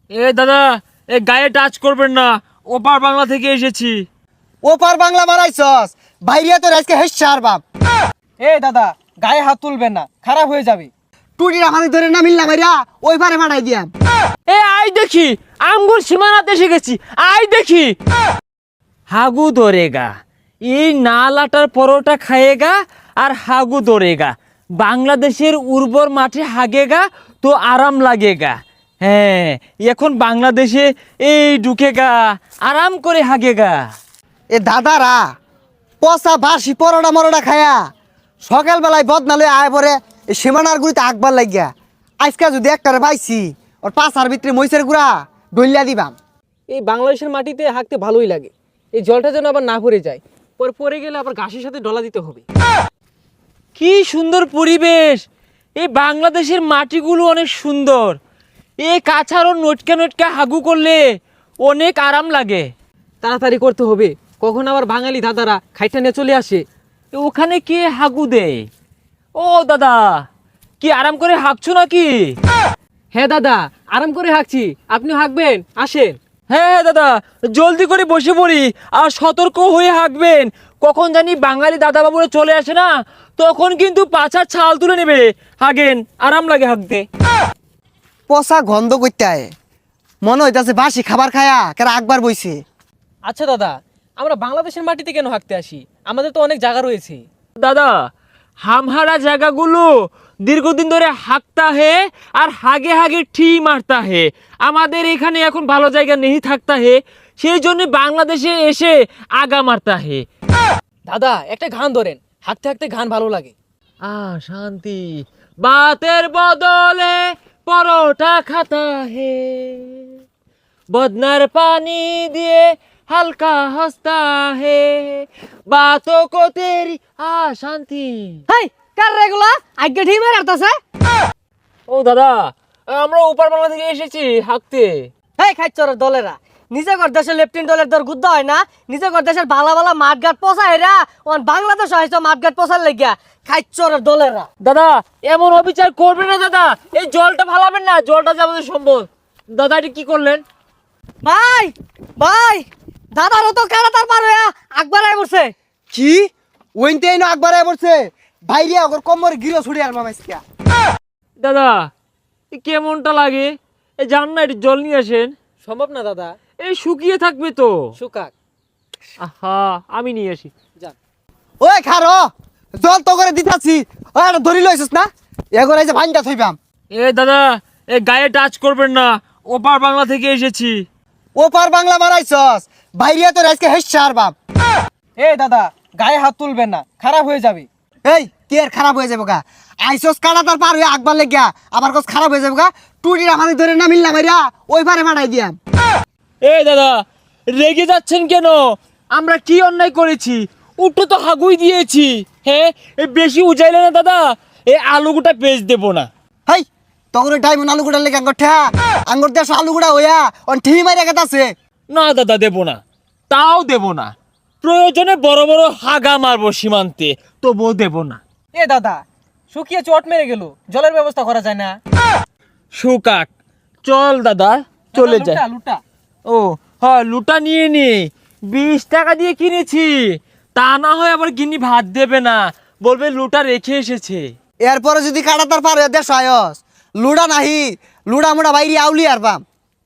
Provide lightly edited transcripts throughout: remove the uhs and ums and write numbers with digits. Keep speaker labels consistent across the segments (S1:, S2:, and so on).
S1: এ দাদা, এ গায়ে টাচ করবেন না, ওপার বাংলা থেকে এসেছি।
S2: ওপার বাংলা মারাইছস, বাইরিয়া তোর আজকে হেসার বাপ।
S3: এ দাদা, গায়ে হাত তুলবেন না, খারাপ হয়ে যাবে।
S2: টুটির আমাদের ধরে না মিললাম মাইরা ওই পারে মারাই দিয়াম।
S1: এ আই দেখি, আমগুর সীমানাতে এসে গেছি, আই দেখি। হাগু ধরেগা, এই নালাটার পরোটা খায়েগা আর হাগু ধরেগা। বাংলাদেশের উর্বর মাঠে হাগেগা তো আরাম লাগেগা। হ্যাঁ, এখন বাংলাদেশে এই ঢুকেগা, আরাম করে হাগেগা।
S2: এ দাদারা পচা বাসি পরোটা মরোটা খায়া সকালবেলায় বদনালে আয় পরে সীমানার গুড়িতে আকবার লাগিয়া। আজকে যদি একটারে পাইছি ওর পাশার ভিতরে মহিষের গুড়া ডলিয়া দিবাম।
S3: এই বাংলাদেশের মাটিতে হাঁকতে ভালোই লাগে। এই জলটা যেন আবার না পড়ে যায়, পরে পড়ে গেলে আবার ঘাসের সাথে ডলা দিতে হবে।
S1: কি সুন্দর পরিবেশ! এই বাংলাদেশের মাটিগুলো অনেক সুন্দর। এই কাছাড়ও নটকা নটকা হাগু করলে অনেক আরাম লাগে।
S3: তাড়াতাড়ি করতে হবে, কখন আবার বাঙালি দাদারা খাইটা নিয়ে চলে আসে।
S1: ওখানে কে হাগু দেয়? ও দাদা, কি আরাম করে হাঁকছো নাকি?
S3: হ্যাঁ দাদা, আরাম করে হাঁকছি, আপনিও হাঁকবেন, আসেন।
S1: হ্যাঁ হ্যাঁ দাদা, জলদি করে বসে পড়ি আর সতর্ক হয়ে হাঁকবেন। কখন জানি বাঙালি দাদা বাবুরা চলে আসে না, তখন কিন্তু পাছার ছাল তুলে নেবে। হাগেন, আরাম লাগে হাঁকতে।
S2: পচা গন্ধ করতে আয়, মনে হইতাছে বাসি খাবার খায়া কেরা আকবার বইছে।
S3: আচ্ছা দাদা, আমরা বাংলাদেশের মাটিতে কেন হাঁকতে আসি? আমাদের তো অনেক জায়গা রয়েছে।
S1: দাদা, হামহারা জায়গাগুলো দীর্ঘদিন ধরে হাঁকতা হে আর হাগে হাগে ঠি মারতা হে। আমাদের এখানে এখন ভালো জায়গা নেই থাকতা হে, সেই জন্য বাংলাদেশে এসে আগা মারতা হে।
S3: দাদা, একটা গান ধরেন, হাঁকতে হাঁকতে গান ভালো লাগে।
S1: শান্তি বাতের বদলে পরোটা খাতা হে, বদনার পানি দিয়ে হালকা হস্তা হে, বাতো কো তেরি শান্তি।
S3: হাই, কার রেগুলা আগে ঠিক মেরে আসতেছে।
S1: ও দাদা, আমরা ওপার বাংলা থেকে এসেছি হাঁকতে।
S3: এই খাইচরের দলেরা, নিজে কর দেশের লেফটেন্ট দলের দর গুদ্ধ হয় না, নিজে কর দেশের ভালো ভালো মাঠঘাট পোষা এরা ওন বাংলাদেশ হয়েছে মাঠঘাট পোষার লেগিয়া। খাইচরের দলেরা
S1: দাদা, এমন অবিচার করবেন না দাদা, এই জলটা ফালাবেন না, জলটা যে আমাদের সম্পদ। দাদা, এটা কি করলেন?
S3: ভাই ভাই, দাদারও তো কারাতার পার হইয়া আকবার আই বসে।
S2: কি ওইনতে না আকবার আয় পড়ছে, বাইরিয়া ওর কোমর গিলো ছুড়ে আর মামাইছিয়া।
S1: দাদা, এ কেমনটা লাগে? এই যান না, একটু জল নিয়ে আসেন।
S3: সম্ভব না দাদা,
S1: এই শুকিয়ে থাকবে তো।
S3: সুকাক।
S1: আহা, আমি নিয়ে আসি।
S3: যান।
S2: ওই খারো, জল তো করে দিতাছি, ওই এটা ধরি লইছিস না, এগোর এই যে ভাইনটা থইবাম।
S1: এ দাদা, এ গায়ে টাচ করবেন না, ওপার বাংলা থেকে এসেছি।
S2: ওপার বাংলা মারাইছস, বাইরিয়া তোর আজকে হেসার বাপ।
S3: এ দাদা, গায়ে হাত তুলবেন না, খারাপ হয়ে যাবে।
S2: এই কি আর খারাপ হয়ে যাবো গা? আইসস কাটা তার পার হয়ে আকবার লেগিয়া আবার কস খারাপ হয়ে যাবো গা? টুটির আমাদের ধরে না মিললাম মাইরা ওই পারে মারাই দিয়াম।
S1: এই দাদা, রেগে যাচ্ছেন কেন? আমরা কি অন্যায় করেছি? উঠো তো হাগুই দিয়েছি। হ্যাঁ, এ বেশি উজাইলে না দাদা, এই আলুগুটা পেঁচ দেবো না।
S2: হাই, তখন ডাইমন আলু গুড়া লেগে আঙ্গর ঠা আঙ্গর দেশ আলু গুড়া হইয়া অন ঠি মাইরা গেতাছে।
S1: না দাদা, দেবো না, তাও দেবো না। প্রয়োজনে বড় বড় হাগা মারবো সীমান্তে, তবুও দেবো না।
S3: এ দাদা, শুকিয়ে চট মেরে গেল, জলের ব্যবস্থা করা যায় না?
S1: সুকাক, চল দাদা, চলে
S3: লুটা,
S1: যায়।
S3: লুটা।
S1: ও হ্যাঁ, লুটা নিয়ে নি, 20 টাকা দিয়ে কিনেছি। তা না হয় আবার গিনি ভাত দেবে না, বলবে লুটা রেখে এসেছে।
S2: এরপরে যদি কাটা তার পার হয়ে দেশ আয়স লুড়া নাহি, লুড়া মুড়া বাইরে আউলি আর পাম।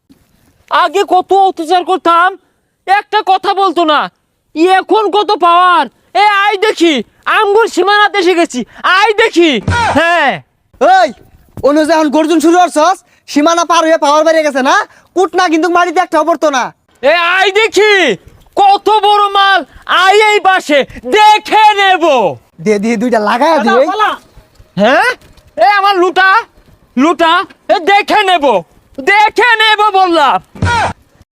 S1: আগে কত অত্যাচার করতাম, একটা কথা বলতো না, এখন কত পাওয়ার। এ আই দেখি, আমগুর সীমানাতে এসে গেছি, আই দেখি। হ্যাঁ,
S2: ওই অনু যখন গর্জন শুরু করছস, সীমানা পার হয়ে পাওয়ার বাইরে গেছে না, কুট না কিন্তু মাটিতে একটা পড়তো না।
S1: এ আই দেখি, কত বড় মাল, আই এই পাশে দেখে নেব।
S2: দে দিয়ে দুইটা লাগায়
S3: পালা,
S2: দিয়ে।
S3: পালা।
S1: হ্যাঁ, এ আমার লুটা, লুটা, এ দেখে নেব, দেখে নেব বললাম।